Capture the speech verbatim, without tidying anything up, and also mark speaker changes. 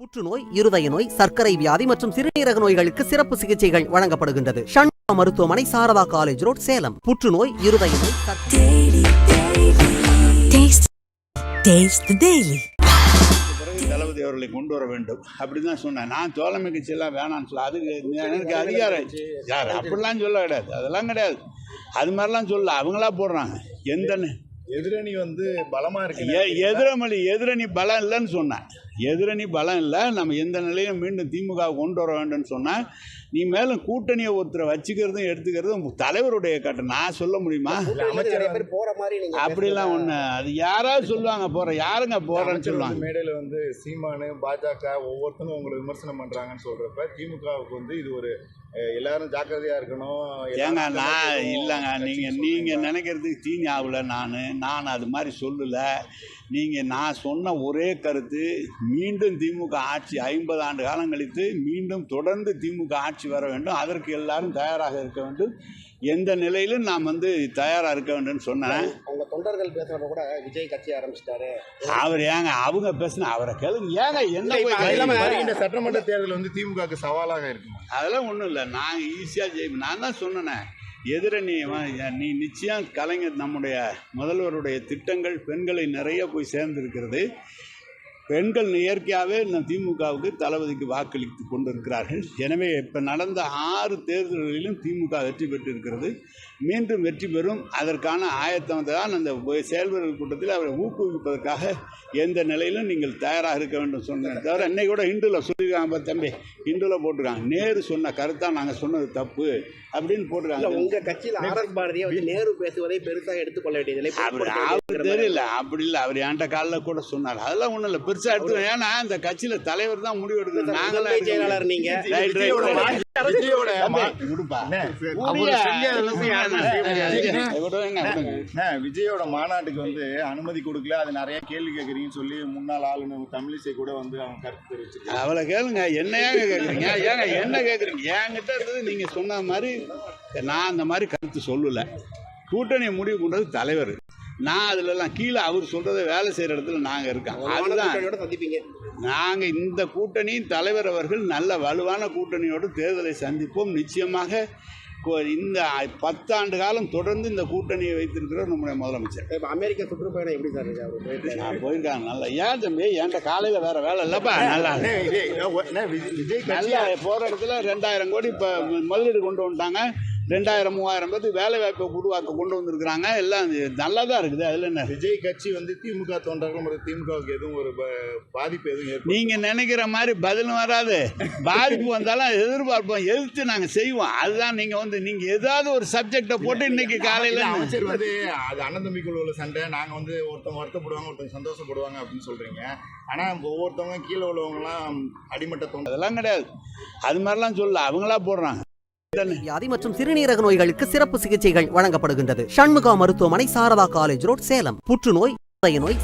Speaker 1: புற்றுநோய், இருதய நோய், சர்க்கரை வியாதி மற்றும் சிறுநீரக நோய்களுக்கு சிறப்பு சிகிச்சைகள் வழங்கப்படுகின்றது. ஷண்முகா மருத்துவமனை, சாரதா காலேஜ் ரோட், சேலம். புற்றுநோய், இருதய நோய்,
Speaker 2: தளபதி அவர்களை கொண்டு வர வேண்டும் அப்படின்னு தான் சொன்னேன். நான் தோழமை கட்சியெல்லாம் வேணான்னு சொல்ல, அது எனக்கு அதிகாரம் யார் அப்படிலாம் சொல்ல கிடையாது, அதெல்லாம் கிடையாது. அது மாதிரிலாம் சொல்ல அவங்களா போடுறாங்க. எந்த
Speaker 3: எதிரணி வந்து பலமா இருக்கு,
Speaker 2: எதிரமொழி எதிரணி பலம் இல்லைன்னு சொன்னேன். எதிரணி பலம் இல்லை, நம்ம எந்த நிலையிலும் மீண்டும் திமுக கொண்டு வர வேண்டும்னு சொன்னேன். நீ மேலும் கூட்டணியை ஒருத்தரை வச்சுக்கிறதும் எடுத்துக்கிறதும் தலைவருடைய கட்டம். நான் சொல்ல முடியுமா? அப்படிலாம் ஒன்று, அது யாராவது சொல்லுவாங்க போற, யாருங்க போறேன்னு சொல்லுவாங்க.
Speaker 3: மேடையில் வந்து சீமானு பாஜக ஒவ்வொருத்தரும் உங்களை விமர்சனம் பண்றாங்கன்னு சொல்றப்ப திமுகவுக்கு வந்து இது ஒரு எல்லாரும் ஜாக்கிரதையா இருக்கணும்.
Speaker 2: ஏங்க நான் இல்லைங்க, நீங்க நீங்க நினைக்கிறதுக்கு தீனி ஆகல. நான் நான் அது மாதிரி சொல்லலை. நீங்கள் நான் சொன்ன ஒரே கருத்து, மீண்டும் திமுக ஆட்சி ஐம்பது ஆண்டு காலம் கழித்து மீண்டும் தொடர்ந்து திமுக ஆட்சி வர வேண்டும், அதற்கு எல்லாரும் தயாராக இருக்க வேண்டும், எந்த நிலையிலும் நாம் வந்து தயாராக இருக்க வேண்டும்னு சொன்னேன்.
Speaker 4: அவங்க தொண்டர்கள் பேசுகிறப்ப கூட விஜய் கட்சி ஆரம்பிச்சிட்டாரு.
Speaker 2: அவர் ஏங்க அவங்க பேசுனா அவரை கேளுங்க. ஏங்க என்ன போய்
Speaker 3: இந்த சட்டமன்ற தேர்தல் வந்து திமுகவுக்கு சவாலாக இருக்கு.
Speaker 2: அதெல்லாம் ஒன்றும் இல்லை, நாங்கள் ஈஸியாக ஜெயிப்போம். நான் தான் சொன்னேன், எதிரணி நீ நிச்சயம் கலைஞர் நம்முடைய முதல்வருடைய திட்டங்கள் பெண்களை நிறைய போய் சேர்ந்திருக்கிறது. பெண்கள் இயற்கையாகவே நம் திமுகவுக்கு தளபதிக்கு வாக்களித்து கொண்டிருக்கிறார்கள். எனவே இப்போ நடந்த ஆறு தேர்தல்களிலும் திமுக வெற்றி பெற்றிருக்கிறது, மீண்டும் வெற்றி பெறும். அதற்கான ஆயத்தம் தான் அந்த செயல்வர்கள் கூட்டத்தில் அவரை ஊக்குவிப்பதற்காக எந்த நிலையிலும் நீங்கள் தயாராக இருக்க வேண்டும் சொன்னேன். தவிர இன்னைக்கு கூட இந்துவில் சொல்லியிருக்காங்க, தம்பி இந்துவில் போட்டிருக்காங்க, நேரு சொன்ன கருத்தாக நாங்கள் சொன்னது தப்பு அப்படின்னு போட்டிருக்காங்க.
Speaker 4: உங்கள் கட்சியில் ஆர்எஸ் பாரதியை வந்து நேரு பேசுவதை பெருசாக எடுத்துக்கொள்ள வேண்டியதில்லை.
Speaker 2: அவர் தெரியல, அப்படி இல்லை, அவர் என்கிட்ட காலில் கூட சொன்னார். அதெல்லாம் ஒன்றும் இல்லை, பெருசாக எடுத்துக்கணும். ஏன்னா இந்த கட்சியில் தலைவர் தான் முடிவு எடுக்கணும். நாங்களாம் செயலாளர் நீங்கள்
Speaker 3: விஜயோட மாநாட்டுக்கு வந்து அனுமதி கொடுக்கல, அது நிறைய கேள்வி கேட்குறீங்கன்னு சொல்லி முன்னாள் ஆளுநர் தமிழிசை கூட வந்து அவங்க கருத்து தெரிவிச்சிருக்காங்க.
Speaker 2: அவளை கேளுங்க, என்ன ஏங்க கேட்குறீங்க? ஏங்க என்ன கேட்குறீங்க? என்கிட்ட இருந்தது நீங்கள் சொன்ன மாதிரி நான் அந்த மாதிரி கருத்து சொல்லலை. கூட்டணியை முடிவு பண்ணுறது தலைவர். நான் அதுலலாம் கீழே அவர் சொல்கிறத வேலை செய்கிற இடத்துல நாங்கள் இருக்கோம். அதுதான்
Speaker 4: சந்திப்பீங்க.
Speaker 2: நாங்கள் இந்த கூட்டணியின் தலைவர் அவர்கள் நல்ல வலுவான கூட்டணியோடு தேர்தலை சந்திப்போம். நிச்சயமாக இந்த பத்தாண்டு காலம் தொடர்ந்து இந்த கூட்டணியை வைத்திருக்கிற நம்முடைய முதலமைச்சர்.
Speaker 4: இப்போ அமெரிக்கா சுற்றுப்பயணம் எப்படி சார் இருக்கு?
Speaker 2: நான் போயிருக்காங்க. நல்லா ஏன் தம்பி, என்கிட்ட காலையில் வேறு வேலை இல்லைப்பா. நல்லா
Speaker 3: விஜய்
Speaker 2: நல்லா போகிற இடத்துல ரெண்டாயிரம் கோடி இப்போ முதலீடு கொண்டு வந்துட்டாங்க. ரெண்டாயிரம் மூவாயிரம் பேருக்கு வேலை வாய்ப்பை உருவாக்க கொண்டு வந்திருக்கிறாங்க. எல்லாம் நல்லா தான் இருக்குது. அதில் என்ன
Speaker 3: விஜய் கட்சி வந்து திமுக தொண்டர்கள் திமுகவுக்கு எதுவும் ஒரு பாதிப்பு எதுவும்
Speaker 2: நீங்கள் நினைக்கிற மாதிரி பதிலும் வராது. பாதிப்பு வந்தாலும் எதிர்பார்ப்போம், எதிர்த்து நாங்கள் செய்வோம். அதுதான் நீங்கள் வந்து நீங்கள் ஏதாவது ஒரு சப்ஜெக்டை போட்டு இன்னைக்கு காலையில்
Speaker 3: அமைச்சர் வந்து அது அண்ணன் தம்பிக்குள்ள உள்ள சண்டை, நாங்கள் வந்து ஒருத்தவங்க வருத்தப்படுவாங்க ஒருத்தவங்க சந்தோஷப்படுவாங்க அப்படின்னு சொல்கிறீங்க. ஆனால் ஒவ்வொருத்தவங்க கீழே உள்ளவங்கலாம் அடிமட்ட தொண்டை
Speaker 2: அதெல்லாம் கிடையாது. அது மாதிரிலாம் சொல்ல அவங்களா போடுறாங்க.
Speaker 1: வியாதி மற்றும் சிறுநீரக நோய்களுக்கு சிறப்பு சிகிச்சைகள் வழங்கப்படுகின்றது. ஷண்முகா மருத்துவமனை, சாரதா காலேஜ் ரோட், சேலம். புற்றுநோய், இருதய நோய்,